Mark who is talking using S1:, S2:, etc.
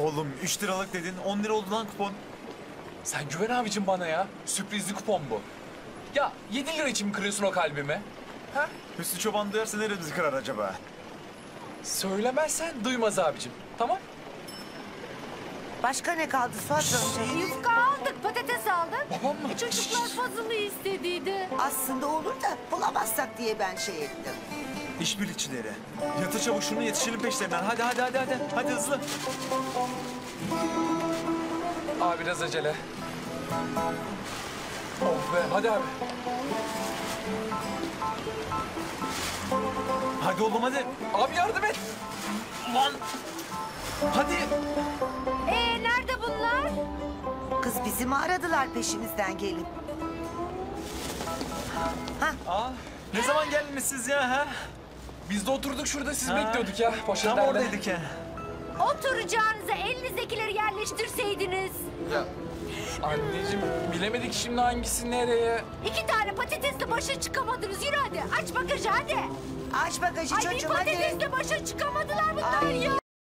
S1: Oğlum 3 liralık dedin, 10 lira oldu lan kupon.
S2: Sen güven abicim bana ya. Sürprizli kupon bu. Ya 7 lira için mi kırıyorsun o kalbimi? Ha?
S1: Hüsnü Çoban duyarsa neremizi kırar acaba?
S2: Söylemezsen duymaz abicim. Tamam?
S3: Başka ne kaldı Suat amca?
S4: Yufka aldık, patates aldık.
S2: Babam mı?
S4: Çocuklar puzzle'ı istediydi.
S3: Aslında olur da bulamazsak diye ben şey ettim.
S1: İşbirlikçileri. Yatır çabuk şunu, yetişelim peşlerinden. Hadi. Hadi hızlı.
S2: Abi biraz acele. Oh be hadi abi.
S1: Hadi oğlum hadi.
S2: Abi yardım et.
S1: Lan. Hadi.
S4: Nerede bunlar?
S3: Kız bizi mi aradılar peşimizden gelip?
S1: Aa, ne zaman geldiniz siz ya ha?
S2: Biz de oturduk şurada sizi
S1: Ha.
S2: bekliyorduk ya.
S1: Tam
S2: Poşetlerle.
S1: oradaydık ya.
S4: Oturacağınıza elinizdekileri yerleştirseydiniz.
S2: Ya anneciğim bilemedik şimdi hangisi nereye.
S4: 2 tane patatesle başa çıkamadınız. Yürü hadi. Aç bagajı hadi.
S3: Aç bagajı
S4: Ay bir
S3: çocuğum hadi.
S4: patatesle başa çıkamadılar bunlar
S3: Ay.
S4: ya.